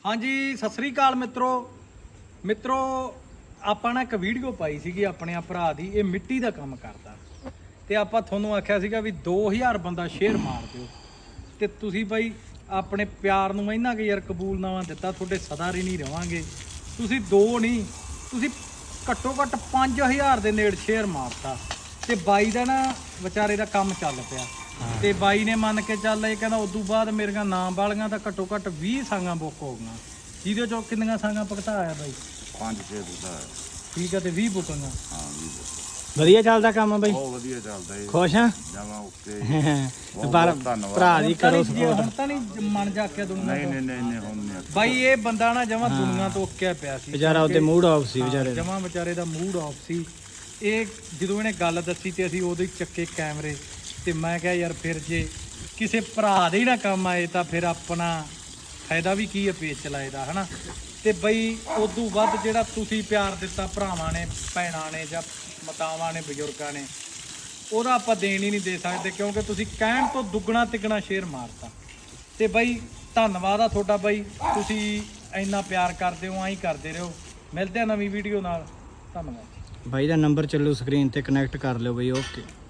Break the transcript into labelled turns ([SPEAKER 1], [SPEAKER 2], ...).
[SPEAKER 1] हाँ जी सत श्री अकाल मित्रों ਆਪਾਂ ਨਾ ਇੱਕ ਵੀਡੀਓ ਪਾਈ ਸੀਗੀ ਆਪਣੇ ਭਰਾ ਦੀ ਇਹ ਮਿੱਟੀ ਦਾ ਕੰਮ ਕਰਦਾ ਤੇ ਆਪਾਂ ਤੁਹਾਨੂੰ ਆਖਿਆ ਸੀਗਾ ਵੀ 2000 ਬੰਦਾ ਸ਼ੇਅਰ ਮਾਰ ਦਿਓ ਤੇ ਤੁਸੀਂ ਬਾਈ ਆਪਣੇ ਪਿਆਰ ਨੂੰ ਇੰਨਾ ਕਿ ਯਾਰ ਕਬੂਲਨਾਮਾ ਦਿੱਤਾ ਤੁਹਾਡੇ ਸਦਾ ਹੀ ਨਹੀਂ ਰਵਾਂਗੇ ਤੁਸੀਂ ਦੋ ਨਹੀਂ ਤੁਸੀਂ ਘੱਟੋ ਘੱਟ 5000 ਦੇ ਨੇੜੇ ਸ਼ੇਅਰ ਮਾਰਤਾ ਤੇ ਬਾਈ ਦਾ ਨਾ ਵਿਚਾਰੇ ਦਾ ਕੰਮ ਚੱਲ ਪਿਆ ਤੇ ਬਾਈ ਨੇ ਮੰਨ ਕੇ ਚੱਲ ਇਹ ਕਹਿੰਦਾ ਉਦੋਂ ਬਾਅਦ ਮੇਰੀਆਂ ਨਾਮ ਵਾਲੀਆਂ ਤਾਂ ਘੱਟੋ ਘੱਟ 20 ਸੰਗਾਂ ਬੁੱਕ ਹੋ ਗਈਆਂ ਜਿਹਦੇ ਚੋਂ ਕਿੰਨੀਆਂ ਸੰਗਾਂ ਭੁਗਤਾਇਆ ਬਾਈ
[SPEAKER 2] 5-6 ਬੁੱਧਾ
[SPEAKER 1] ਠੀਕ ਹੈ ਤੇ 20 ਬੁੱਕਾਂ
[SPEAKER 2] ਹਾਂ
[SPEAKER 3] ਵਧੀਆ ਚੱਲਦਾ ਕੰਮ ਬਈ
[SPEAKER 2] ਬਹੁਤ ਵਧੀਆ ਚੱਲਦਾ ਜੀ
[SPEAKER 3] ਖੁਸ਼ ਆ
[SPEAKER 2] ਜਮਾ ਓਕੇ
[SPEAKER 3] ਪਰ
[SPEAKER 2] ਧੰਨਵਾਦ
[SPEAKER 3] ਭਰਾ ਦੀ ਕਰੋ ਸਪੋਰਟ
[SPEAKER 1] ਹੁਣ ਤਾਂ ਨਹੀਂ ਮਨ ਜਾਕਿਆ ਦੁਨੀਆ
[SPEAKER 2] ਨਹੀਂ
[SPEAKER 1] ਤੋਂ
[SPEAKER 2] ਨਹੀਂ ਨਹੀਂ ਹੁਣ ਨਹੀਂ
[SPEAKER 1] ਬਾਈ ਇਹ ਬੰਦਾ ਨਾ ਜਮਾ ਦੁਨੀਆ ਤੋਂ ਉੱਕਿਆ ਪਿਆ ਸੀ
[SPEAKER 3] ਵਿਚਾਰਾ ਉਹਦੇ ਮੂਡ ਆਫ ਸੀ ਵਿਚਾਰੇ
[SPEAKER 1] ਜਮਾ ਵਿਚਾਰੇ ਦਾ ਮੂਡ ਆਫ ਸੀ ਇਹ ਜਦੋਂ ਇਹਨੇ ਗੱਲ ਦੱਸੀ ਤੇ ਅਸੀਂ ਉਦੋਂ ਹੀ ਚੱਕੇ ਕੈਮਰੇ ਤੇ ਮੈਂ ਕਿਹਾ ਯਾਰ ਫਿਰ ਜੇ ਕਿਸੇ ਭਰਾ ਦੇ ਹੀ ਨਾ ਕੰਮ ਆਏ ਤਾਂ ਫਿਰ ਆਪਣਾ ਫਾਇਦਾ ਵੀ ਕੀ ਹੈ ਪੇਜ ਚਲਾਏ ਦਾ ਹਨਾ ਤੇ ਬਈ ਉਦੋਂ ਵੱਧ ਜਿਹੜਾ ਤੁਸੀਂ ਪਿਆਰ ਦਿੱਤਾ ਭਰਾਵਾਂ ਨੇ ਭੈਣਾਂ ਨੇ ਜਾਂ ਮਾਤਾਵਾਂ ਨੇ ਬਜ਼ੁਰਗਾਂ ਨੇ ਉਹਦਾ ਆਪਾਂ ਦੇਣ ਹੀ ਨਹੀਂ ਦੇ ਸਕਦੇ ਕਿਉਂਕਿ ਤੁਸੀਂ ਕਹਿਣ ਤੋਂ ਦੁੱਗਣਾ ਤਿੱਗਣਾ ਸ਼ੇਅਰ ਮਾਰਤਾ ਤੇ ਬਈ ਧੰਨਵਾਦ ਆ ਤੁਹਾਡਾ ਬਈ ਤੁਸੀਂ ਇੰਨਾ ਪਿਆਰ ਕਰਦੇ ਹੋ ਐਂ ਕਰਦੇ ਰਹੋ ਮਿਲਦੇ ਆ ਨਵੀਂ ਵੀਡੀਓ ਨਾਲ ਧੰਨਵਾਦ
[SPEAKER 3] ਬਾਈ ਦਾ ਨੰਬਰ ਚੱਲੂ ਸਕਰੀਨ ਤੇ ਕਨੈਕਟ ਕਰ ਲਿਓ ਬਈ ਓਕੇ